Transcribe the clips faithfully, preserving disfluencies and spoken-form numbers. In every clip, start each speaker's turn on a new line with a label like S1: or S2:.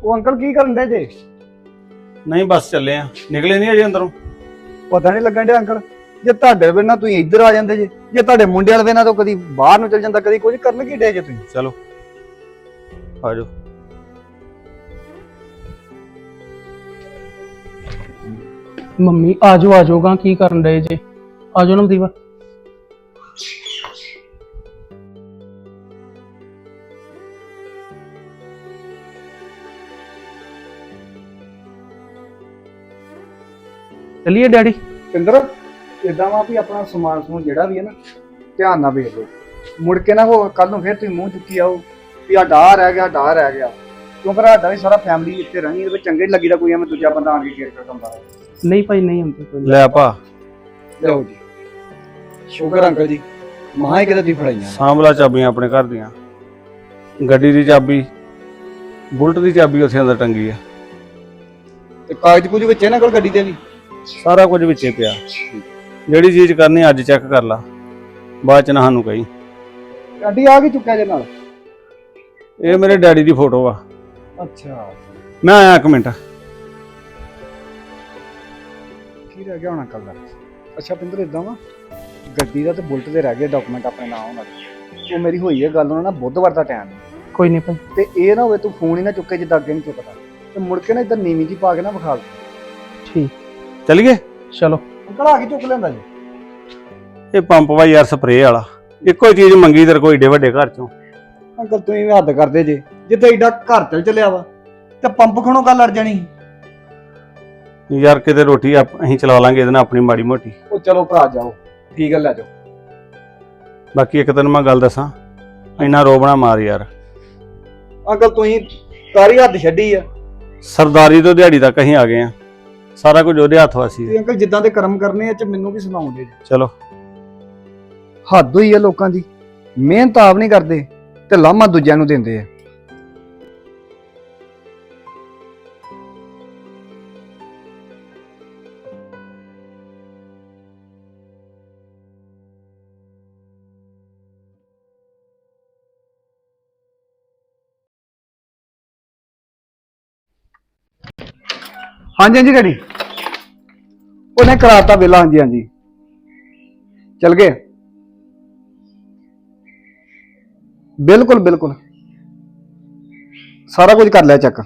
S1: ਉਹ ਅੰਕਲ ਕੀ ਕਰਨ ਦੇ ਜੇ?
S2: ਨਹੀਂ ਬਸ ਚੱਲੇ ਆ, ਨਿਕਲੇ ਨਹੀਂ ਅਜੇ ਅੰਦਰੋਂ।
S1: ਪਤਾ ਨਹੀਂ ਲੱਗਣ ਡਿਆ ਅੰਕਲ, ਜੇ ਤੁਹਾਡੇ ਬਿਨਾਂ ਤੁਸੀਂ ਇੱਧਰ ਆ ਜਾਂਦੇ ਜੇ, ਜੇ ਤੁਹਾਡੇ ਮੁੰਡੇ ਵਾਲੇ ਬਿਨਾਂ ਤਾਂ ਕਦੀ ਬਾਹਰ ਨੂੰ ਚਲ ਜਾਂਦਾ, ਕਦੀ ਕੁਝ ਕਰਨ ਕੀ ਡੇ ਜੇ ਤੁਸੀਂ?
S2: ਚਲੋ ਆ ਜਾਓ।
S3: ਮੰਮੀ ਆ ਜਾਓ ਆ ਜਾਓਗਾ, ਕੀ ਕਰਨ ਡਏ ਜੇ? ਆ ਜਾਓ ਨਵਦੀਪ। ਚਲਿਏ ਡੈਡੀ।
S1: ਪਿੰਦਰ ਇਦਾਂ ਵਾ ਵੀ ਆਪਣਾ ਸਮਾਨ ਸਮੂਨ ਜਿਹੜਾ ਵੀ ਹੈ ਨਾ ਧਿਆਨ ਨਾਲ ਵੇਖ ਲਓ, ਮੁੜ ਕੇ ਨਾ ਉਹ ਕੱਲ ਨੂੰ ਫਿਰ ਤੁਸੀਂ ਮੂੰਹ ਚੁੱਕੀ ਆਓ ਵੀ ਆ ਡਾਹ ਰਹਿ ਗਿਆ ਡਾਹ ਰਹਿ ਗਿਆ, ਕਿਉਂਕਿ ਸਾਡਾ ਵੀ ਸਾਰਾ ਫੈਮਿਲੀ ਇੱਥੇ ਰਹਿਣੀ, ਇਹਦੇ ਵਿੱਚ ਚੰਗੇ ਨੀ ਲੱਗੀਦਾ ਕੋਈ ਐਵੇਂ ਦੂਜਾ ਬੰਦਾ ਆਣ ਕੇ ਕੇਅਰ ਕਰਦਾ।
S3: ਨਹੀਂ ਭਾਈ ਨਹੀਂ ਹੁੰਦੀ ਕੋਈ।
S2: ਲੈ ਭਾ
S1: ਲਓ ਜੀ, ਸ਼ੁਕਰ ਅੰਕਲ ਜੀ, ਮਾਂ ਹੀ ਕਿਤੇ ਤੁਸੀਂ ਫੜਾਈਆਂ।
S2: ਸਾਂਭਲਾ ਚਾਬੀਆਂ ਆਪਣੇ ਘਰ ਦੀਆਂ, ਗੱਡੀ ਦੀ ਚਾਬੀ, ਬੁਲਟ ਦੀ ਚਾਬੀ ਉੱਥੇ ਅੰਦਰ ਟੰਗੀ ਆ,
S1: ਤੇ ਕਾਗਜ਼ ਕੁਝ ਵਿੱਚ ਇਹਨਾਂ ਕੋਲ ਗੱਡੀ ਦੇ ਵੀ
S2: ਸਾਰਾ ਕੁਝ ਵਿੱਚੇ ਪਿਆ। ਜਿਹੜੀ ਚੀਜ਼ ਕਰਨੀ ਅੱਜ ਚੈੱਕ ਕਰ ਲਾ, ਬਾਅਦ ਚ ਨਾ ਸਾਨੂੰ ਕਹੀ।
S1: ਗੱਡੀ ਆ ਗਈ ਚੁੱਕਿਆ ਜੇ ਨਾਲ।
S2: ਇਹ ਮੇਰੇ ਡੈਡੀ ਦੀ ਫੋਟੋ ਆ।
S1: ਅੱਛਾ,
S2: ਮੈਂ ਆਇਆ ਇੱਕ ਮਿੰਟ।
S1: ਕੀ ਰਹਿ ਗਿਆ ਹੁਣ ਅੰਕਲ ਦਾ? ਅੱਛਾ ਪਿੰਦਰ ਇਦਾਂ ਵਾ, ਗੱਡੀ ਦਾ ਤੇ ਬੁਲਟ ਦੇ ਰਹਿ ਗਏ ਡਾਕੂਮੈਂਟ ਆਪਣੇ ਨਾਮ ਉਹਨਾਂ ਦੇ। ਉਹ ਮੇਰੀ ਹੋਈ ਹੈ ਗੱਲ ਉਹਨਾਂ ਨਾਲ ਬੁੱਧਵਾਰ ਦਾ ਟਾਈਮ,
S3: ਕੋਈ ਨਹੀਂ ਭਾਈ।
S1: ਤੇ ਇਹ ਨਾ ਹੋਵੇ ਤੂੰ ਫੋਨ ਹੀ ਨਾ ਚੁੱਕੇ ਜਿੱਦਾਂ ਅੱਗੇ ਨਹੀਂ ਚੁੱਕਦਾ, ਤੇ ਮੁੜ ਕੇ ਨਾ ਇੱਧਰ ਨੀਵੀਂ ਜੀ ਪਾ ਕੇ ਨਾ ਵਿਖਾ ਦੇ।
S3: ਠੀਕ,
S2: ਚਲੀਏ।
S3: ਚਲੋ।
S1: ਅੰਕਲ ਆ ਕੇ ਚੁੱਕ ਲੈਂਦਾ ਜੀ।
S2: ਇਹ ਪੰਪ ਵਾ ਯਾਰ, ਸਪਰੇਅ ਵਾਲਾ। ਇੱਕੋ ਹੀ ਚੀਜ਼ ਮੰਗੀ ਤੇਰੇ ਕੋਈ ਏਡੇ ਵੱਡੇ ਘਰ ਚੋਂ।
S1: ਅੰਕਲ ਤੁਸੀਂ ਵੀ ਹੱਦ ਕਰਦੇ ਜੇ, ਜਿੱਥੇ ਏਡਾ ਘਰ ਚੱਲ ਚੱਲਿਆ ਵਾ ਤੇ ਪੰਪ ਖਣੋਂ ਗੱਲ ਅੜ ਜਾਣੀ।
S2: ਯਾਰ ਕਿਤੇ ਰੋਟੀ ਆਪ- ਅਸੀਂ ਚਲਾ ਲਾਂਗੇ ਇਹਦੇ ਨਾਲ ਆਪਣੀ ਮਾੜੀ ਮੋਟੀ।
S1: ਉਹ ਚਲੋ ਭਰਾ ਜਾਓ, ਠੀਕ ਹੈ ਲੈ ਜਾਓ।
S2: ਬਾਕੀ ਇੱਕ ਤੈਨੂੰ ਮੈਂ ਗੱਲ ਦੱਸਾਂ, ਇੰਨਾ ਰੋਬਣਾ ਮਾਰ ਯਾਰ।
S1: ਅੰਕਲ ਤੁਸੀਂ ਸਾਰੀ ਹੱਦ ਛੱਡੀ ਆ
S2: ਸਰਦਾਰੀ ਤੋਂ ਦਿਹਾੜੀ ਤੱਕ ਅਸੀਂ ਆ ਗਏ ਆ, ਸਾਰਾ ਕੁਝ ਉਹਦੇ ਹੱਥ ਵਾਸੀ ਹੈ।
S1: ਤੇ ਅੰਕਲ ਜਿੱਦਾਂ ਦੇ ਕਰਮ ਕਰਨੇ ਆ ਚ ਮੈਨੂੰ ਵੀ ਸੁਣਾਉਂਦੇ ਜੀ।
S2: ਚਲੋ
S1: ਹੱਦ ਹੋਈ ਆ ਲੋਕਾਂ ਦੀ, ਮਿਹਨਤ ਆਪ ਨਹੀਂ ਕਰਦੇ ਤੇ ਲਾਮਾ ਦੂਜਿਆਂ ਨੂੰ ਦਿੰਦੇ ਆ। ਹਾਂਜੀ ਹਾਂਜੀ ਡੈਡੀ, ਉਹਨੇ ਕਰਾਤਾ ਵੇਲਾ। ਹਾਂਜੀ ਹਾਂਜੀ ਚਲ ਗਏ, ਬਿਲਕੁਲ ਬਿਲਕੁਲ ਸਾਰਾ ਕੁਝ ਕਰ ਲਿਆ ਚੈੱਕ।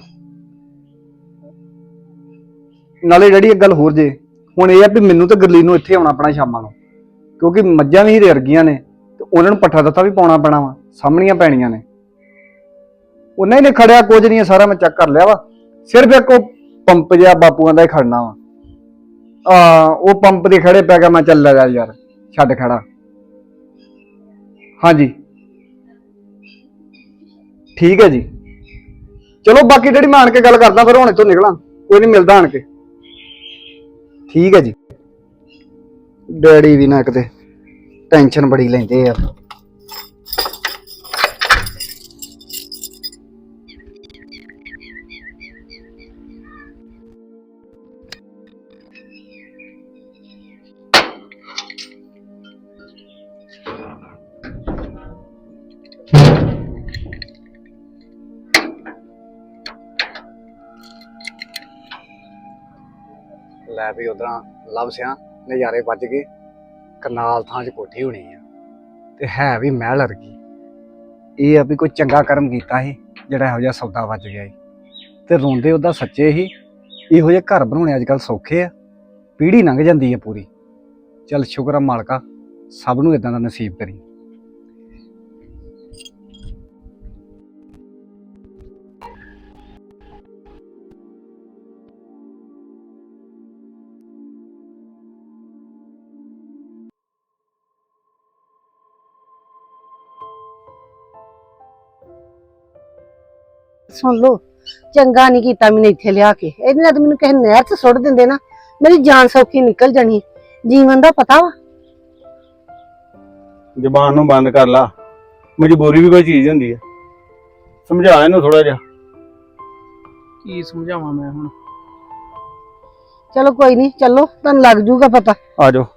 S1: ਨਾਲੇ ਡੈਡੀ ਇੱਕ ਗੱਲ ਹੋਰ ਜੇ, ਹੁਣ ਇਹ ਆ ਵੀ ਮੈਨੂੰ ਤੇ ਗੁਰਲੀਨ ਨੂੰ ਇੱਥੇ ਆਉਣਾ ਪੈਣਾ ਸ਼ਾਮਾਂ ਨੂੰ, ਕਿਉਂਕਿ ਮੱਝਾਂ ਵੀ ਹੀਰੇ ਵਰਗੀਆਂ ਨੇ ਤੇ ਉਹਨਾਂ ਨੂੰ ਪੱਠਾ ਦਿੱਤਾ ਵੀ ਪਾਉਣਾ ਪੈਣਾ ਵਾ, ਸਾਹਮਣੀਆਂ ਪੈਣੀਆਂ ਨੇ। ਉਹਨਾਂ ਹੀ ਨੇ ਖੜਿਆ ਕੁਝ ਨਹੀਂ, ਸਾਰਾ ਮੈਂ ਚੈੱਕ ਕਰ ਲਿਆ ਵਾ। ਸਿਰਫ ਇੱਕ ਉਹ ਪੰਪ ਜਿਹਾ ਬਾਪੂਆਂ ਦਾ ਹੀ ਖੜਨਾ ਵਾ। ਆ ਉਹ ਪੰਪ ਦੇ ਖੜੇ ਪੈ ਗਿਆ, ਮੈਂ ਚੱਲ ਲਿਆ ਯਾਰ, ਛੱਡ ਖੜਾ। ਹਾਂਜੀ ਠੀਕ ਹੈ ਜੀ, ਚਲੋ ਬਾਕੀ ਜਿਹੜੀ ਮੈਂ ਆਣ ਕੇ ਗੱਲ ਕਰਦਾ, ਫਿਰ ਹੁਣ ਇੱਥੋਂ ਨਿਕਲਾਂ, ਕੋਈ ਨਹੀਂ ਮਿਲਦਾ ਆਣ ਕੇ। ਠੀਕ ਹੈ ਜੀ। ਡੈਡੀ ਵੀ ਨਾ ਕਿਤੇ ਟੈਨਸ਼ਨ ਬੜੀ ਲੈਂਦੇ ਆ। ਲੈ ਵੀ ਉਧਰਾਂ ਲੱਭ ਸਿਆ ਨਜ਼ਾਰੇ ਵੱਜ ਗਏ। ਕਰਨਾਲ ਥਾਂ 'ਚ ਕੋਠੀ ਹੋਣੀ ਆ ਤੇ ਹੈ ਵੀ ਮਹਿਲ ਵਰਗੀ। ਇਹ ਆ ਵੀ ਕੋਈ ਚੰਗਾ ਕਰਮ ਕੀਤਾ ਸੀ ਜਿਹੜਾ ਇਹੋ ਜਿਹਾ ਸੌਦਾ ਵੱਜ ਗਿਆ ਸੀ, ਤੇ ਰੋਂਦੇ ਉਹਦਾ ਸੱਚੇ ਸੀ। ਇਹੋ ਜਿਹੇ ਘਰ ਬਣਾਉਣੇ ਅੱਜ ਕੱਲ੍ਹ ਸੌਖੇ ਆ, ਪੀੜ੍ਹੀ ਲੰਘ ਜਾਂਦੀ ਹੈ ਪੂਰੀ। ਚੱਲ ਸ਼ੁਕਰ ਆ ਮਾਲਕਾ, ਸਭ ਨੂੰ ਇਦਾਂ ਦਾ ਨਸੀਬ ਕਰੀ।
S4: ਸੁਣ ਲੋ, ਚੰਗਾ ਨਹੀਂ ਕੀਤਾ ਮੈਨੂੰ ਇੱਥੇ ਲਿਆ ਕੇ। ਇਹਦੇ ਨਾਲ ਤਾਂ ਮੈਨੂੰ ਕਿਸੇ ਨਹਿਰ 'ਚ ਸੁੱਟ ਦਿੰਦੇ ਨਾ, ਮੇਰੀ ਜਾਨ ਸੌਖੀ ਨਿਕਲ ਜਾਣੀ। ਜੀਵਨ ਦਾ ਪਤਾ ਵਾ।
S2: ਜ਼ਬਾਨ ਨੂੰ ਬੰਦ ਕਰ ਲਾ, ਮਜਬੂਰੀ ਵੀ ਕੋਈ ਚੀਜ਼ ਹੁੰਦੀ ਹੈ। ਸਮਝਾ ਇਹਨੂੰ ਥੋੜਾ ਜਿਹਾ।
S3: ਕੀ ਸਮਝਾਵਾਂ ਮੈਂ ਹੁਣ?
S4: ਚਲੋ ਕੋਈ ਨਹੀਂ, ਚਲੋ ਤੁਹਾਨੂੰ ਲੱਗ ਜੂਗਾ ਪਤਾ।
S2: ਆ ਜਾਓ।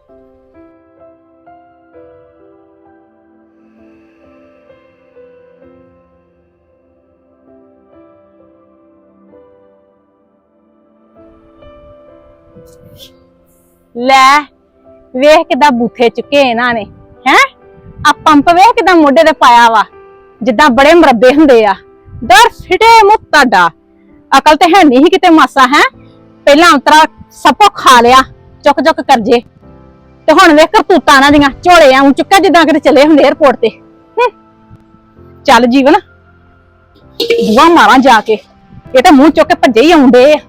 S5: ਲੈ ਵੇਖ ਕਿਦਾਂ ਬੂਥੇ ਚੁੱਕੇ ਇਹਨਾਂ ਨੇ ਹੈ ਆ ਪੰਪ ਵੇਖ ਕਿਦਾਂ ਮੋਢੇ ਤੇ ਪਾਇਆ ਵਾ ਜਿੱਦਾਂ ਬੜੇ ਮਰੱਬੇ ਹੁੰਦੇ ਆ ਦਰ ਫਿਟੇ ਮੁੱਤ ਤੁਹਾਡਾ ਅਕਲ ਤੇ ਹੈ ਨਹੀਂ ਕਿਤੇ ਮਾਸਾ ਹੈ ਪਹਿਲਾਂ ਅੰਤਰਾ ਸਪੋ ਖਾ ਲਿਆ ਚੁੱਕ ਚੁੱਕ ਕਰਜੇ ਤੇ ਹੁਣ ਵੇਖ ਕਰਤੂਤਾਂ ਨਾ ਦੀਆਂ ਝੋਲੇ ਆਉਂ ਚੁੱਕਾ ਜਿੱਦਾਂ ਕਿਤੇ ਚੱਲੇ ਹੁੰਦੇ 에어ਪੋਰਟ ਤੇ ਹੂੰ। ਚੱਲ ਜੀਵਨ ਬੁਆ ਮਾਰਾਂ ਜਾ ਕੇ ਇਹ ਤਾਂ ਮੂੰਹ ਚੁੱਕ ਕੇ ਭੱਜੇ ਹੀ ਆਉਂਦੇ ਆ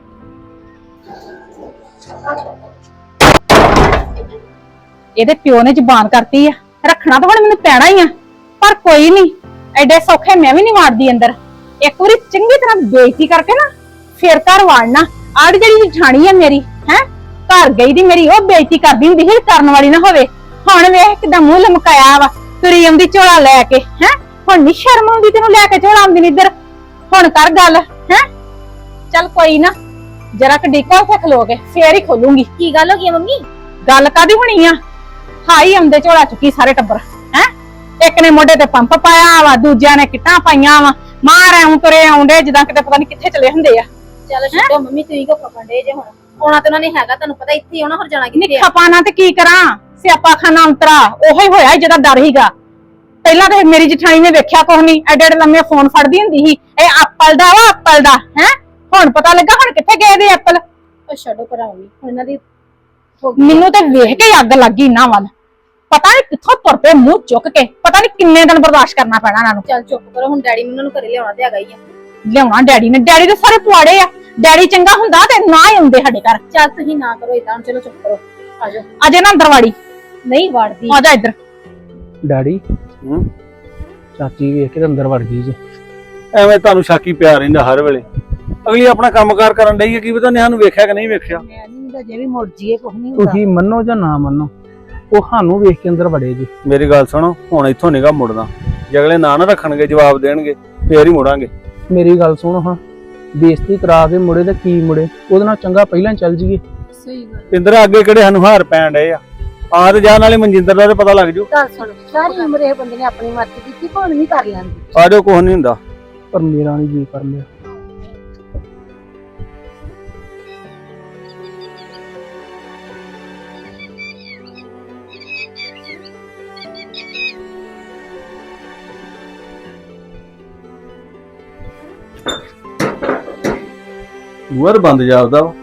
S5: ਇਹਦੇ ਪਿਓ ਨੇ ਜ਼ਬਾਨ ਕਰਤੀ ਆ ਰੱਖਣਾ ਤਾਂ ਹੁਣ ਮੈਨੂੰ ਪੈਣਾ ਹੀ ਆ ਪਰ ਕੋਈ ਨਹੀਂ ਐਡੇ ਸੌਖੇ ਮੈਂ ਵੀ ਨਹੀਂ ਮਾਰਦੀ ਅੰਦਰ ਇੱਕ ਵਾਰੀ ਚੰਗੀ ਤਰ੍ਹਾਂ ਬੇਇੱਜ਼ਤੀ ਕਰਕੇ ਨਾ ਫੇਰ ਘਰ ਵਾੜਨਾ ਆੜ ਜਿਹੜੀ ਜਠਾਣੀ ਆ ਮੇਰੀ ਹੈ ਘਰ ਗਈ ਦੀ ਮੇਰੀ ਉਹ ਬੇਇੱਜ਼ਤੀ ਕਰਦੀ ਹੁੰਦੀ ਸੀ ਕਰਨ ਵਾਲੀ ਨਾ ਹੋਵੇ ਹੁਣ ਵੇਖ ਕਿਦਾਂ ਮੂੰਹ ਲਮਕਾਇਆ ਵਾ ਤੁਰੀ ਆਉਂਦੀ ਝੋਲਾ ਲੈ ਕੇ ਹੈ ਹੁਣ ਨੀ ਸ਼ਰਮ ਆਉਂਦੀ ਤੈਨੂੰ ਲੈ ਕੇ ਝੋਲਾ ਆਉਂਦੀ ਨੀ ਇੱਧਰ ਹੁਣ ਕਰ ਗੱਲ ਹੈ ਚੱਲ ਕੋਈ ਨਾ ਜਰਾ ਕ ਡਿੱਕੋ ਤੇ ਖਲੋ ਕੇ ਫੇਰ ਹੀ ਖੋਲੂੰਗੀ
S6: ਕੀ ਗੱਲ ਹੋ ਗਈ ਮੰਮੀ?
S5: ਗੱਲ ਕਾਦੀ ਹੋਣੀ ਆ ਹਾਈ ਆਉਂਦੇ ਝੋਲਾ ਚੁੱਕੀ ਸਾਰੇ ਟੱਬਰ ਹੈ ਇੱਕ ਨੇ ਮੋਢੇ ਤੇ ਪੰਪ ਪਾਇਆ ਵਾ ਦੂਜਿਆਂ ਨੇ ਕਿੱਟਾਂ ਪਾਈਆਂ ਵਾ ਮਾਰ ਐਉਂ ਤੁਰੇ ਆਉਂਦੇ ਜਿੱਦਾਂ ਕਿਤੇ ਪਤਾ ਨਹੀਂ ਕਿੱਥੇ ਚਲੇ ਹੁੰਦੇ ਆ
S6: ਚੱਲ ਛੱਡੋ ਮੰਮੀ, ਤੁਸੀਂ ਕੋ ਖਪਣ ਡੇ ਜੇ ਹੁਣ ਆਉਣਾ ਤੇ ਉਹਨਾਂ ਨੇ ਹੈਗਾ ਤੁਹਾਨੂੰ ਪਤਾ ਇੱਥੇ ਆਉਣਾ ਹੋਰ ਜਾਣਾ ਕਿੱਥੇ ਆ?
S5: ਨਿੱਖਾ ਪਾਣਾ ਤੇ ਕੀ ਕਰਾਂ ਸਿਆਪਾ ਖਾਨਾ ਅੰਤਰਾ ਉਹੀ ਹੋਇਆ ਜਿਹਦਾ ਡਰ ਹੀਗਾ ਪਹਿਲਾਂ ਤੇ ਮੇਰੀ ਜਠਾਣੀ ਨੇ ਵੇਖਿਆ ਕੁਛ ਨਹੀਂ ਐਡੇ ਐਡੇ ਲੰਮੇ ਫੋਨ ਫੜਦੀ ਹੁੰਦੀ ਸੀ ਇਹ ਐਪਲ ਦਾ ਵਾ ਐਪਲ ਦਾ ਹੈ ਹੁਣ ਪਤਾ ਲੱਗਾ ਹੁਣ ਕਿੱਥੇ ਗਏ ਦੇ ਐਪਲ
S6: ਉਹ ਛੱਡੋ ਭਰਾ ਮੰਮੀ, ਹੁਣ ਇਹਨਾਂ ਦੀ
S5: ਮੈਨੂੰ ਤੇ ਵੇਖ ਕੇ ਅੱਗ ਲੱਗੀ ਇਹਨਾਂ ਵੱਲ ਪਤਾ ਨਹੀਂ ਕਿੱਥੋਂ ਤੁਰ ਪਏ ਮੂੰਹ ਚੁੱਕ ਕੇ ਪਤਾ ਨਹੀਂ ਕਿੰਨੇ ਦਿਨ ਬਰਦਾਸ਼ਤ ਕਰਨਾ ਪੈਣਾ ਇਹਨਾਂ ਨੂੰ
S6: ਚੱਲ ਚੁੱਪ ਕਰੋ ਹੁਣ ਡੈਡੀ ਮੈਨੂੰ ਨੂੰ ਘਰੇ ਲਿਆਉਣਾ ਤੇ ਹੈਗਾ ਹੀ ਆ
S5: ਲਿਆਉਣਾ ਡੈਡੀ ਨੇ ਡੈਡੀ ਦੇ ਸਾਰੇ ਪੁਆੜੇ ਆ ਡੈਡੀ ਚੰਗਾ ਹੁੰਦਾ ਤੇ ਨਾ ਹੀ ਹੁੰਦੇ ਸਾਡੇ ਘਰ
S6: ਚੱਲ ਤੁਸੀਂ ਨਾ ਕਰੋ ਇਦਾਂ ਹੁਣ ਚਲੋ ਚੁੱਪ ਕਰੋ ਆਜੋ
S5: ਅਜੇ ਨਾ ਅੰਦਰ ਵਾੜੀ
S6: ਨਹੀਂ ਵੜਦੀ
S5: ਆ ਜਾ ਇੱਧਰ
S3: ਡੈਡੀ
S2: ਹੂੰ
S3: ਚਾਚੀ ਵੇਖ ਕੇ ਤੇ ਅੰਦਰ ਵੜ ਗਈ ਜੇ
S2: ਐਵੇਂ ਤੁਹਾਨੂੰ ਸ਼ੱਕੀ ਪਿਆ ਰਹਿੰਦਾ ਹਰ ਵੇਲੇ ਅਗਲੀ ਆਪਣਾ ਕੰਮਕਾਰ ਕਰਨ ਡਈ ਹੈ ਕੀ ਪਤਾ ਨਿਆਂ ਨੂੰ ਵੇਖਿਆ ਕਿ ਨਹੀਂ ਵੇਖਿਆ
S4: ਮੈਂ ਨਹੀਂ ਤਾਂ ਜੇ ਵੀ ਮੁੜ ਜੀਏ ਕੁਝ ਨਹੀਂ ਹੁੰਦਾ
S3: ਤੁਸੀਂ ਮੰਨੋ ਜਾਂ ਨਾ ਮੰਨੋ ਉਹ ਸਾਨੂੰ ਵੇਖ ਕੇ ਅੰਦਰ ਵੜੇ ਜੀ
S2: ਮੇਰੀ ਗੱਲ ਸੁਣੋ ਹੁਣ ਇੱਥੋਂ ਨਿਗਾ ਮੁੜਨਾ ਜੇ ਅਗਲੇ ਨਾ ਨਾ ਰੱਖਣਗੇ ਜਵਾਬ ਦੇਣਗੇ ਫੇਰ ਹੀ ਮੁੜਾਂਗੇ
S3: ਮੇਰੀ ਗੱਲ ਸੁਣੋ ਹਾਂ ਬੇਇੱਜ਼ਤੀ ਕਰਾ ਕੇ ਮੁੜੇ ਤੇ ਕੀ ਮੁੜੇ ਉਹਦੇ ਨਾਲ ਚੰਗਾ ਪਹਿਲਾਂ ਚੱਲ ਜੀਏ
S6: ਸਹੀ ਗੱਲ
S2: ਇੰਦਰ ਅੱਗੇ ਕਿਹੜੇ ਸਾਨੂੰ ਹਾਰ ਪੈਣ ਡਏ ਆ ਆਹ ਤੇ ਜਾਣ ਵਾਲੇ ਮਨਜਿੰਦਰ ਦਾ ਤੇ ਪਤਾ ਲੱਗ ਜੂ
S4: ਗੱਲ ਸੁਣ ਸਾਰੀ ਉਮਰ ਇਹ ਬੰਦੇ ਨੇ ਆਪਣੀ ਮਰਜ਼ੀ ਕੀਤੀ ਭਾਵੇਂ ਨਹੀਂ ਕਰ ਲੈਂਦੀ
S2: ਆਜੋ ਕੁਛ ਨਹੀਂ ਹੁੰਦਾ
S3: ਪਰ ਮੇਰਾ ਨਹੀਂ ਜੀ ਕਰ ਲਿਆ
S2: ਬੂਹਰ ਬੰਦ ਜਾਪਦਾ ਵਾ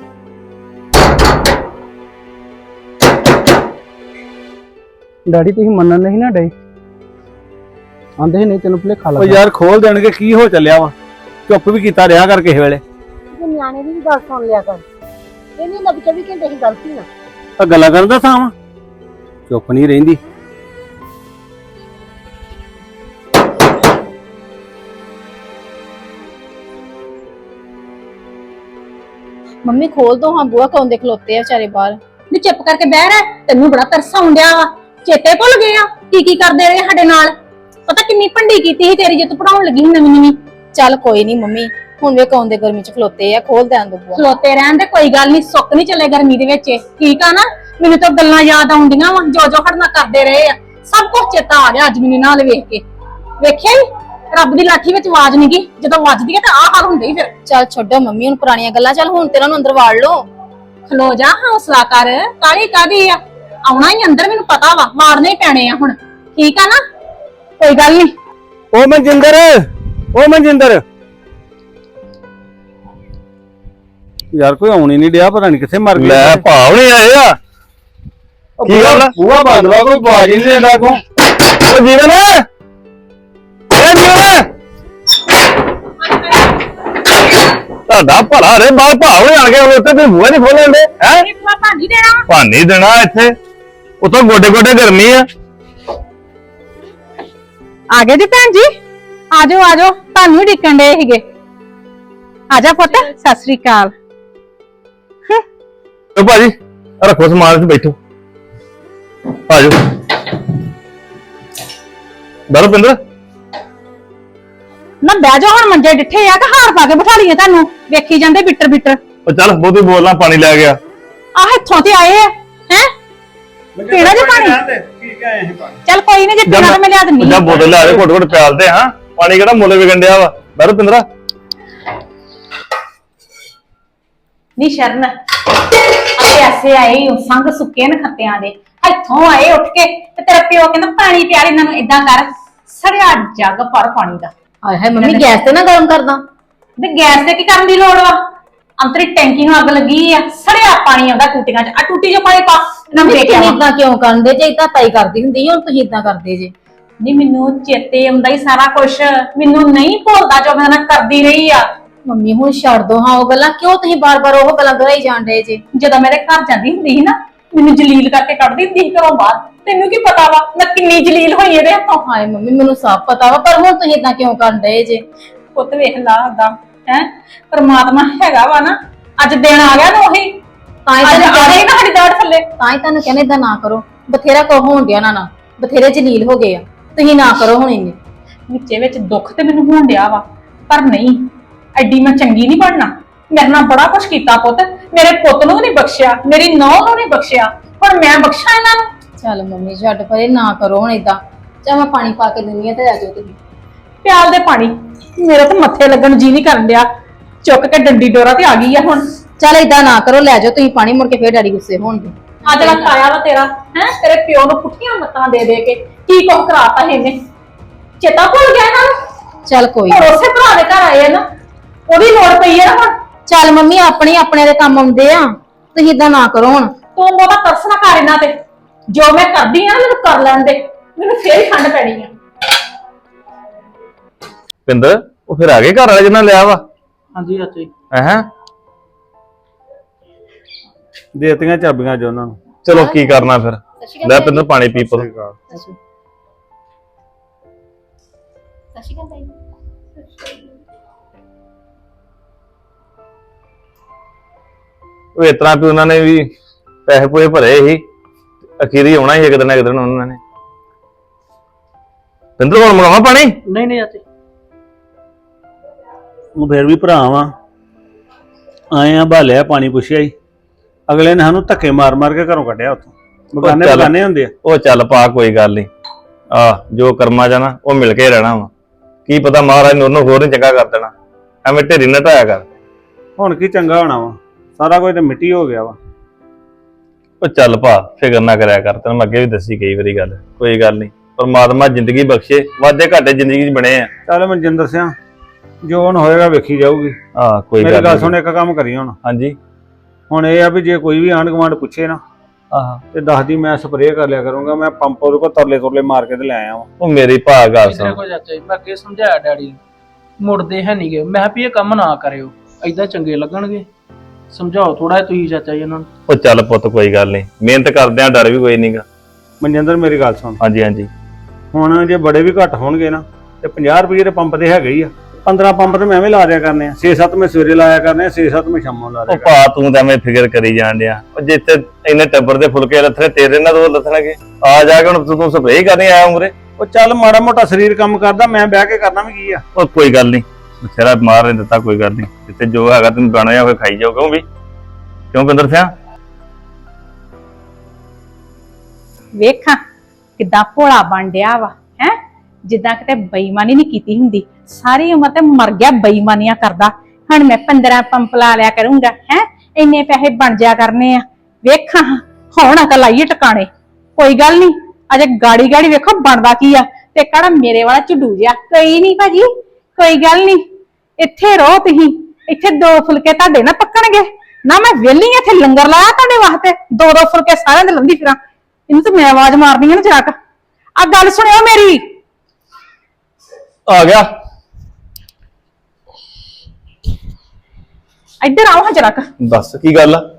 S3: ਡੈਡੀ ਤੁਸੀਂ ਮੰਨਣ ਨਹੀਂ ਨਾ ਡੇ ਆਂਦੇ ਨਹੀਂ ਤੈਨੂੰ ਭੁਲੇਖਾ
S2: ਉਹ
S3: ਲੱਗਾ
S2: ਯਾਰ ਖੋਲ ਦੇਣਗੇ ਕੀ ਹੋ ਚੱਲਿਆ ਵਾ ਚੁੱਪ ਵੀ ਕੀਤਾ ਰਿਹਾ ਕਰ ਕਿਸੇ ਵੇਲੇ
S4: ਤੇ ਨਿਆਣੇ ਦੀ ਵੀ ਗੱਲ ਸੁਣ ਲਿਆ ਕਰ ਇਹ ਨਹੀਂ ਲੱਗ ਚੌਵੀ ਘੰਟੇ ਦੀ ਗਲਤੀ ਨਾ
S2: ਆ ਗੱਲਾਂ ਕਰਨ ਦਾ ਥਾਂ ਵਾ ਚੁੱਪ ਨਹੀਂ ਰਹਿੰਦੀ
S6: ਮੰਮੀ ਖੋਲ ਦੋ ਹਾਂ ਬੂਆ ਕੌਣ ਦੇ ਖਲੋਤੇ ਆ ਵਿਚਾਰੇ ਬਾਹਰ
S5: ਨੀ ਚੁੱਪ ਕਰਕੇ ਬਹਿ ਰਹਿ ਤੈਨੂੰ ਬੜਾ ਤਰਸ ਆਉਂਦਿਆ ਵਾ ਚੇਤੇ ਭੁੱਲ ਗਏ ਆ ਕੀ ਕੀ ਕਰਦੇ ਰਹੇ ਸਾਡੇ ਨਾਲ ਪਤਾ ਕਿੰਨੀ ਭੰਡੀ ਕੀਤੀ ਸੀ ਤੇਰੀ ਜੇ ਤੂੰ ਪੜਾਉਣ ਲੱਗੀ ਸੀ ਨਵੀਂ ਨਵੀਂ
S6: ਚੱਲ ਕੋਈ ਨਹੀਂ ਮੰਮੀ ਹੁਣ ਵੇ ਕੌਣ ਦੇ ਗਰਮੀ ਚ ਖਲੋਤੇ ਆ ਖੋਲ ਦੇਣ ਦੋ ਬੂਆ
S5: ਖਲੋਤੇ ਰਹਿਣ ਦੇ ਕੋਈ ਗੱਲ ਨਹੀਂ ਸੁੱਕ ਨਹੀਂ ਚੱਲੇ ਗਰਮੀ ਦੇ ਵਿੱਚ ਠੀਕ ਆ ਨਾ ਮੈਨੂੰ ਤਾਂ ਗੱਲਾਂ ਯਾਦ ਆਉਂਦੀਆਂ ਵਾ ਜੋ ਜੋ ਖੜਨਾ ਕਰਦੇ ਰਹੇ ਆ ਸਭ ਕੁਝ ਚੇਤਾ ਆ ਗਿਆ ਅੱਜ ਮੈਨੂੰ ਨਾਲ ਵੇਖ ਕੇ ਵੇਖਿਆ ਈ ਰੱਬ ਦੀ ਲਾਠੀ ਵਿੱਚ ਆਵਾਜ਼ ਨਹੀਂ ਗਈ ਜਦੋਂ ਵੱਜਦੀ ਹੈ ਤਾਂ ਆਹ ਹਾਲ ਹੁੰਦਾ ਹੀ ਫਿਰ
S6: ਚੱਲ ਛੱਡੋ ਮੰਮੀ ਹੁਣ ਪੁਰਾਣੀਆਂ ਗੱਲਾਂ ਚੱਲ ਹੁਣ ਤੇਰਾ ਨੂੰ ਅੰਦਰ ਵਾੜ ਲਓ
S5: ਖਲੋ ਜਾ ਹੌਸਲਾ ਕਰ ਕਾਲੀ ਕਾਦੀ ਆ ਆਉਣਾ ਹੀ ਅੰਦਰ ਮੈਨੂੰ ਪਤਾ ਵਾ ਮਾਰਨੇ ਹੀ ਪੈਣੇ ਆ ਹੁਣ ਠੀਕ ਆ ਨਾ ਕੋਈ ਗੱਲ ਨਹੀਂ
S2: ਉਹ ਮਨਜਿੰਦਰ ਉਹ ਮਨਜਿੰਦਰ ਯਾਰ ਕੋਈ ਆਉਣੀ ਨਹੀਂ ਡਿਆ ਪਤਾ ਨਹੀਂ ਕਿੱਥੇ ਮਰ ਗਿਆ
S7: ਲੈ ਭਾਵ ਨਹੀਂ ਆਏ ਆ ਕੀ ਗੱਲ ਆ?
S2: ਬੂਹਾ ਬੰਦ ਵਾ ਕੋਈ ਬਾਜ ਨਹੀਂ ਦੇਦਾ ਕੋ
S7: ਉਹ ਜੀਵਨ ਏ ਜੀਵਨ ਤੁਹਾਡਾ ਭਲਾ ਰੇ ਬਾਹਰ ਭਾਵ ਨਹੀਂ ਆ ਗਏ ਉੱਤੇ ਤੇ ਬੂਹਾ ਨਹੀਂ ਖੋਲਣ ਦੇ ਹੈ
S5: ਇਹ ਪੂਰਾ ਭਾਂਜੀ ਦੇਣਾ
S7: ਭਾਨੀ ਦੇਣਾ ਇੱਥੇ ਉਤੋਂ ਗੋਡੇ ਗੋਡੇ ਗਰਮੀ ਆ
S5: ਆ ਗਏ ਜੀ ਭੈਣ ਜੀ ਆਜੋ ਆਜੋ ਤੁਹਾਨੂੰ ਹੀ ਡਿੱਕਣ ਦੇ ਸੀਗੇ ਆਜਾ ਪੁੱਤ ਸਤਿ ਸ੍ਰੀ ਅਕਾਲ
S7: ਓ ਭਾਜੀ ਆਹ ਰੱਖੋ ਸਮਾਨ ਤੇ ਬੈਠੋ ਆਜੋ ਬਰੋ ਪਿੰਦਰ
S5: ਨਾ ਬਹਿ ਜਾ ਹੁਣ ਮੰਜੇ ਡਿੱਠੇ ਆ ਕਿ ਹਾਰ ਪਾ ਕੇ ਬਿਠਾ ਲਈਏ ਤੁਹਾਨੂੰ ਵੇਖੀ ਜਾਂਦੇ ਬਿੱਟਰ ਬਿੱਟਰ
S7: ਉਹ ਚੱਲ ਬਹੁਤੀ ਬੋਲਣਾ ਪਾਣੀ ਲੈ ਗਿਆ
S5: ਆਹ ਇੱਥੋਂ ਤੇ ਆਏ ਆ ਹੈ ਪੀਣਾ ਜੇ ਪਾਣੀ
S2: ਠੀਕ ਹੈ ਇਹ ਪਾਣੀ
S5: ਚੱਲ ਕੋਈ ਨਹੀਂ ਜੇ ਪੀਣਾ ਤਾਂ ਮੈਂ ਲਿਆ ਦਿੰਨੀ
S7: ਜਾਂ ਬੋਤਲ ਲਿਆ ਦੇ ਘੁੱਟ ਘੁੱਟ ਪਿਆਲਦੇ ਹਾਂ ਪਾਣੀ ਕਿਹੜਾ ਮੁੱਲ ਵਿਕਣ ਡਿਆ ਵਾ ਬਰੋ ਪਿੰਦਰਾ
S5: ਨੀ ਸ਼ਰਨ ਆ ਐਸੇ ਆਏ ਓ ਸੰਗ ਸੁੱਕੇ ਨ ਖੱਤਿਆਂ ਦੇ ਇੱਥੋਂ ਆਏ ਉੱਠ ਕੇ ਤੇ ਤੇਰਾ ਪਿਓ ਕਹਿੰਦਾ ਪਾਣੀ ਪਿਆ ਇਹਨਾਂ ਨੂੰ ਇਦਾਂ ਕਰ ਸੜਿਆ ਜੱਗ ਭਰ ਪਾਣੀ ਦਾ।
S6: ਹਾਏ ਹਾਏ ਮੰਮੀ ਗੈਸ ਤੇ ਨਾ ਗਰਮ ਕਰਦਾ।
S5: ਤੇ ਗੈਸ ਤੇ ਕੀ ਕਰਨ ਦੀ ਲੋੜ ਵਾ ਅੰਤਰੀ ਟੈਂਕੀ ਨੂੰ ਅੱਗ ਲੱਗੀ ਆ ਸੜਿਆ ਪਾਣੀ ਆਉਂਦਾ ਟੂਟੀਆਂ ਚ ਆ ਟੂਟੀ ਜੋ ਪਾਣੀ ਪਾ ਨਾ ਵੇਖਿਆ
S6: ਇਦਾਂ ਕਿਉਂ ਕਰਦੇ ਜੇ ਇਦਾਂ ਤਾਈ ਕਰਦੀ ਹੁੰਦੀ ਹੁਣ ਤੁਸੀਂ ਇਦਾਂ ਕਰਦੇ ਜੇ।
S5: ਨਹੀਂ ਮੈਨੂੰ ਚੇਤੇ ਆਉਂਦਾ ਹੀ ਸਾਰਾ ਕੁਝ ਮੈਨੂੰ ਨਹੀਂ ਭੁੱਲਦਾ ਜੋ ਮੈਂ ਨਾ ਕਰਦੀ ਰਹੀ ਆ।
S6: ਮੰਮੀ ਹੁਣ ਛੱਡ ਦੋ ਹਾਂ ਉਹ ਗੱਲਾਂ ਕਿਉਂ ਤੁਸੀਂ ਬਾਰ-ਬਾਰ ਉਹ ਗੱਲਾਂ ਦੁਹਰਾਈ ਜਾਣ ਡਏ ਜੇ।
S5: ਜਦੋਂ ਮੇਰੇ ਘਰ ਜਾਂਦੀ ਹੁੰਦੀ ਸੀ ਨਾ ਮੈਨੂੰ ਜਲੀਲ ਕਰਕੇ ਕੱਢਦੀ ਹੁੰਦੀ ਸੀ ਘਰੋਂ ਬਾਹਰ। ਤੈਨੂੰ ਕੀ ਪਤਾ ਵਾ ਮੈਂ ਕਿੰਨੀ ਜਲੀਲ ਹੋਈ ਇਹਦੇ ਹੱਥੋਂ।
S6: ਹਾਏ ਮੰਮੀ ਮੈਨੂੰ ਸਭ ਪਤਾ ਵਾ ਪਰ ਹੁਣ ਤੁਸੀਂ ਇਦਾਂ ਕਿਉਂ ਕਰਨ ਡਏ ਜੇ।
S5: ਪੁੱਤ ਵੇਖ ਲਾ ਓਦਾਂ ਹੈ ਪਰਮਾਤਮਾ ਹੈਗਾ ਵਾ ਨਾ ਅੱਜ ਦਿਨ ਆ ਗਿਆ ਨਾ ਉਹੀ
S6: ਤਾਂ ਹੀ
S5: ਅੱਜ
S6: ਤੁਹਾਨੂੰ
S5: ਆ ਗਈ ਨਾ ਸਾਡੀ ਦਾੜ ਥੱਲੇ।
S6: ਤਾਂ ਹੀ ਤੁਹਾਨੂੰ ਕਹਿੰਦੇ ਇਦਾਂ ਨਾ ਕਰੋ ਬਥੇਰਾ ਕੋ ਹੋਣ ਡਿਆ ਨਾ ਨਾ ਬਥੇਰੇ ਜਲੀਲ ਹੋ ਗਏ ਆ ਤੁਸੀਂ ਨਾ ਕਰੋ ਹੁਣ ਇੰਨੇ।
S5: ਵਿੱਚੇ ਵਿੱਚ ਦੁੱਖ ਤੇ ਮੈਨੂੰ ਹੋਣ ਡਿਆ ਵਾ ਪਰ ਨਹੀਂ ਐਡੀ ਮੈਂ ਚੰਗੀ ਨਹੀਂ ਬਣਨਾ। ਮੇਰੇ ਨਾਲ ਬੜਾ ਕੁਛ ਕੀਤਾ ਪੁੱਤ ਮੇਰੇ ਪੁੱਤ ਨੂੰ ਨਹੀਂ ਬਖਸ਼ਿਆ ਮੇਰੀ ਨੌਂ ਨੂੰ ਨਹੀਂ ਬਖਸ਼ਿਆ ਹੁਣ ਮੈਂ ਬਖਸ਼ਾਂ ਇਹਨਾਂ ਨੂੰ।
S6: ਚੱਲ ਮੰਮੀ ਛੱਡ ਪਰੇ ਨਾ ਕਰੋ ਹੁਣ ਇਦਾਂ ਚਾਹ ਮੈਂ ਪਾਣੀ ਪਾ ਕੇ ਦਿੰਨੀ ਆ ਤੇ ਆ ਜਾਓ ਤੁਸੀਂ।
S5: ਪਿਆਲ ਦੇ ਪਾਣੀ ਮੇਰਾ ਤਾਂ ਮੱਥੇ ਲੱਗਣ ਨੂੰ ਜੀ ਨਹੀਂ ਕਰਨ ਡਿਆ ਚੁੱਕ ਕੇ ਡੰਡੀ ਡੋਰਾ ਤੇ ਆ ਗਈ ਆ ਹੁਣ।
S6: ਚੱਲ ਇਦਾਂ ਨਾ ਕਰੋ ਲੈ ਜਾਓ ਤੁਸੀਂ ਪਾਣੀ ਮੁੜ ਕੇ ਫੇਰ ਡੈਡੀ ਗੁੱਸੇ ਹੋਣਗੇ।
S5: ਅੱਜ ਦਾ ਖਾਇਆ ਵਾ ਤੇਰਾ ਹੈ ਤੇਰੇ ਪਿਓ ਨੂੰ ਪੁੱਠੀਆਂ ਮੱਤਾਂ ਦੇ ਦੇ ਕੇ ਕੀ ਕੁਝ ਕਰਾਤਾ ਇਹਨੇ ਚੇਤਾ ਭੁੱਲ ਗਿਆ ਇਹਨਾਂ ਨੂੰ।
S6: ਚੱਲ ਕੋਈ
S5: ਹੁਣ ਉਸੇ ਭਰਾ ਦੇ ਘਰ ਆਏ ਆ ਨਾ ਉਹਦੀ ਲੋੜ ਪਈ ਆ ਨਾ ਹੁਣ।
S6: ਚੱਲ ਮੰਮੀ ਆਪਣੇ ਆਪਣੇ ਦੇ ਕੰਮ ਆਉਂਦੇ ਆ ਤੁਸੀਂ ਇਦਾਂ ਨਾ ਕਰੋ ਹੁਣ।
S5: ਤੂੰ ਬਹੁਤਾ ਤਰਸ ਨਾ ਕਰ ਇਹਨਾਂ ਤੇ ਜੋ ਮੈਂ ਕਰਦੀ ਆ ਨਾ ਮੈਨੂੰ ਕਰ ਲੈਣ ਦੇ ਮੈਨੂੰ ਫੇਰ ਹੀ ਠੰਡ ਪੈਣੀ ਆ।
S7: ਪਿੰਦਰ ਉਹ ਫਿਰ ਆ ਗਏ ਘਰ ਵਾਲੇ ਜਿਹਨਾਂ ਲਿਆ ਵਾ
S3: ਹਾਂਜੀ ਚਾਚਾ ਜੀ।
S7: ਹੈ
S2: ਦੇਤੀਆਂ ਚਾਬੀਆਂ ਜੋ ਉਹਨਾਂ ਨੂੰ।
S7: ਚਲੋ ਕੀ ਕਰਨਾ ਫਿਰ ਲੈ ਪਿੰਦਰ ਪਾਣੀ ਪੀ ਪੁੱਤ। ਉਹ ਇਸ ਤਰ੍ਹਾਂ ਵੀ ਉਹਨਾਂ ਨੇ ਵੀ ਪੈਸੇ ਪੂਏ ਭਰੇ ਸੀ ਅਖੀਰੀ ਆਉਣਾ ਸੀ ਇੱਕ ਦਿਨ ਇੱਕ ਦਿਨ ਉਹਨਾਂ ਨੇ। ਪਿੰਦਰ ਕੋਲ ਮੰਗਾਵਾ ਪਾਣੀ।
S3: ਨਹੀਂ ਨਹੀਂ ਚਾਚਾ
S2: ਉਹ ਫਿਰ ਵੀ ਭਰਾ ਵਾਂ ਆਏ ਆ ਭਾਲਿਆ ਪਾਣੀ ਪੁੱਛਿਆ ਹੀ ਅਗਲੇ ਨੇ ਸਾਨੂੰ ਧੱਕੇ ਮਾਰ ਮਾਰ ਕੇ ਘਰੋਂ ਕੱਢਿਆ ਉੱਥੋਂ। ਬਗਾਨੇ
S7: ਚੱਲ।
S2: ਬਗਾਨੇ ਹੁੰਦੇ ਆ।
S7: ਉਹ ਚੱਲ ਪਾ ਕੋਈ ਗੱਲ ਨਹੀਂ ਆ ਜੋ ਕਰਮਾ ਜਾਣਾ ਉਹ ਮਿਲ ਕੇ ਰਹਿਣਾ ਵਾ ਕੀ ਪਤਾ ਮਹਾਰਾਜ ਨੇ ਉਹਨੂੰ ਹੋਰ ਨੀ ਚੰਗਾ ਕਰ ਦੇਣਾ ਐਵੇਂ ਢੇਰੀ ਨਾ ਢਾਇਆ ਕਰ।
S2: ਹੁਣ ਕੀ ਚੰਗਾ ਹੋਣਾ ਵਾ ਸਾਰਾ ਕੁਝ ਤੇ ਮਿੱਟੀ ਹੋ ਗਿਆ ਵਾ।
S7: ਉਹ ਚੱਲ ਭਾ ਫਿਕਰ ਨਾ ਕਰਿਆ ਕਰ ਤੈਨੂੰ ਮੈਂ ਅੱਗੇ ਵੀ ਦੱਸੀ ਕਈ ਵਾਰੀ ਗੱਲ ਕੋਈ ਗੱਲ ਨਹੀਂ ਪਰਮਾਤਮਾ ਜ਼ਿੰਦਗੀ ਬਖਸ਼ੇ ਵਾਧੇ ਘਾਟੇ ਜ਼ਿੰਦਗੀ 'ਚ ਬਣੇ ਆ।
S2: ਚੱਲ ਮਨਜਿੰਦਰ ਸਿੰਘ ਜੋ ਹੁਣ ਹੋਏਗਾ ਵੇਖੀ ਜਾਊਗੀ।
S7: ਆ ਕੋਈ
S2: ਮੇਰੀ
S7: ਗੱਲ
S2: ਗੱਲ
S7: ਨੀ।
S2: ਸੁਣ ਇੱਕ ਕੰਮ ਕਰੀ ਹੁਣ
S7: ਹਾਂਜੀ
S2: ਹੁਣ ਇਹ ਆ ਵੀ ਜੇ ਕੋਈ ਵੀ ਆਂਢ ਗੁਆਂਢ ਪੁੱਛੇ ਨਾ
S7: ਆਹ
S2: ਤੇ ਦੱਸਦੀ ਮੈਂ ਸਪਰੇਅ ਕਰ ਲਿਆ ਕਰੂੰਗਾ ਮੈਂ ਪੰਪ ਉਹਦੇ ਕੋਲ ਤਰਲੇ ਤੁਰਲੇ ਮਾਰ ਕੇ ਤੇ ਲੈ ਆਇਆ ਵਾਂ।
S7: ਉਹ ਮੇਰੀ ਭਾ ਗੱਲ
S3: ਇਧਰ
S7: ਸੁਣ
S3: ਕੋ ਚਾਚਾ ਜੀ ਮੈਂ ਅੱਗੇ ਸਮਝਾਇਆ ਡੈਡੀ ਨੂੰ ਮੁੜਦੇ ਹੈ ਨਹੀਂਗੇ ਮੈਂ ਕਿਹਾ ਵੀ ਇਹ ਕੰਮ ਨਾ ਕਰਿਓ ਐਦਾਂ ਚੰਗੇ ਲੱਗਣਗੇ ਸਮਝਾਓ ਥੋੜਾ ਤੁਸੀਂ ਚਾਚਾ ਜੀ ਇਹਨਾਂ ਨੂੰ।
S7: ਉਹ ਚੱਲ ਪੁੱਤ ਕੋਈ ਗੱਲ ਨਹੀਂ ਮਿਹਨਤ ਕਰਦੇ ਆ ਡਰ ਵੀ ਕੋਈ ਨਹੀਂਗਾ।
S2: ਮਨਜਿੰਦਰ ਮੇਰੀ ਗੱਲ ਸੁਣ
S7: ਹਾਂਜੀ ਹਾਂਜੀ
S2: ਹੁਣ ਜੇ ਬੜੇ ਵੀ ਘੱਟ ਹੋਣਗੇ ਨਾ ਤੇ ਪੰਜਾਹ ਰੁਪਏ ਦੇ ਪੰਪ ਤੇ ਹੈਗੇ ਹੀ ਆ ਪੰਦਰਾਂ ਪੰਪ ਤੇ ਮੈਂ ਐਵੇਂ ਲਾ ਦਿਆ ਕਰਨੇ ਆ ਛੇ ਸੱਤ ਮੈਂ ਸਵੇਰੇ ਲਾਇਆ ਕਰਨੇ ਆ ਛੇ ਸੱਤ ਮੈਂ ਸ਼ਾਮਾਂ ਲਾ ਦਿਆ
S7: ਉਹ ਭਾ ਤੂੰ ਤਾਂ ਐਵੇਂ ਫਿਕਰ ਕਰੀ ਜਾਣ ਡਿਆ ਉਹ ਜਿੱਥੇ ਇੰਨੇ ਟੱਬਰ ਦੇ ਫੁਲਕੇ ਲੱਥਣੇ ਤੇਰੇ ਨਾਲ ਦੋ ਲੱਥਣਗੇ ਆ ਜਾ ਕੇ ਹੁਣ ਤੂੰ ਤੂੰ ਸਪਰੇਅ ਕਰਨੀ ਆਇਆ ਉਮਰੇ।
S2: ਉਹ ਚੱਲ ਮਾੜਾ ਮੋਟਾ ਸਰੀਰ ਕੰਮ ਕਰਦਾ ਮੈਂ ਬਹਿ ਕੇ ਕਰਨਾ ਵੀ ਕੀ ਆ।
S7: ਉਹ ਕੋਈ ਗੱਲ ਨਹੀਂ ਬਥੇਰਾ ਮਾਰ ਨਹੀਂ ਦਿੱਤਾ ਕੋਈ ਗੱਲ ਨਹੀਂ ਜਿੱਥੇ ਜੋ ਹੈਗਾ ਤੈਨੂੰ ਗਾਣਾ ਹੋਏ ਖਾਈ ਜਾਓ ਕਿਉਂ ਵੀ ਕਿਉਂ ਪਿੰਦਰ ਸਿਆ।
S5: ਵੇਖਾਂ ਕਿੱਦਾਂ ਭੋਲਾ ਬਣ ਡਿਆ ਵਾ ਹੈ ਜਿੱਦਾਂ ਕਿਤੇ ਬੇਈਮਾਨੀ ਨਹੀਂ ਕੀਤੀ ਹੁੰਦੀ ਸਾਰੀ ਉਮਰ ਤੇ ਮਰ ਗਿਆ ਬੇਈਮਾਨੀਆਂ ਕਰਦਾ ਹੁਣ ਮੈਂ ਪੰਦਰਾਂ ਪੰਪ ਲਾ ਲਿਆ ਕਰੂੰਗਾ ਹੈ ਇੰਨੇ ਪੈਸੇ ਬਣ ਜਾ ਕਰਨੇ ਆ ਵੇਖਾਂ ਹੁਣ ਅਕਲ ਆਈਏ ਟਿਕਾਣੇ ਕੋਈ ਗੱਲ ਨਹੀਂ ਅਜੇ ਗਾੜੀ ਗਾੜੀ ਵੇਖੋ ਬਣਦਾ ਕੀ ਆ ਤੇ ਕਿਹੜਾ ਮੇਰੇ ਵਾਲਾ ਝੁੱਡੂ ਜਿਹਾ ਕੋਈ ਨਹੀਂ ਭਾਜੀ ਕੋਈ ਗੱਲ ਨਹੀਂ ਇੱਥੇ ਰਹੋ ਤੁਸੀਂ ਇੱਥੇ ਦੋ ਫੁਲਕੇ ਤੁਹਾਡੇ ਨਾ ਪੱਕਣਗੇ ਨਾ ਮੈਂ ਵਿਹਲੀ ਇੱਥੇ ਲੰਗਰ ਲਾਇਆ ਤੁਹਾਡੇ ਵਾਸਤੇ ਦੋ ਦੋ ਫੁਲਕੇ ਸਾਰਿਆਂ ਦੇ ਲੰਦੀ ਫਿਰਾਂ ਇਹਨੂੰ ਤਾਂ ਮੈਂ ਆਵਾਜ਼ ਮਾਰਨੀ ਆ ਨਾ ਜਰਾ ਆ ਗੱਲ ਸੁਣਿਓ ਮੇਰੀ
S7: ਆ ਗਿਆ
S5: ਇੱਧਰ ਆਓ ਹਾਂ ਜਰਾ
S7: ਦੱਸ ਕੀ ਗੱਲ ਆ।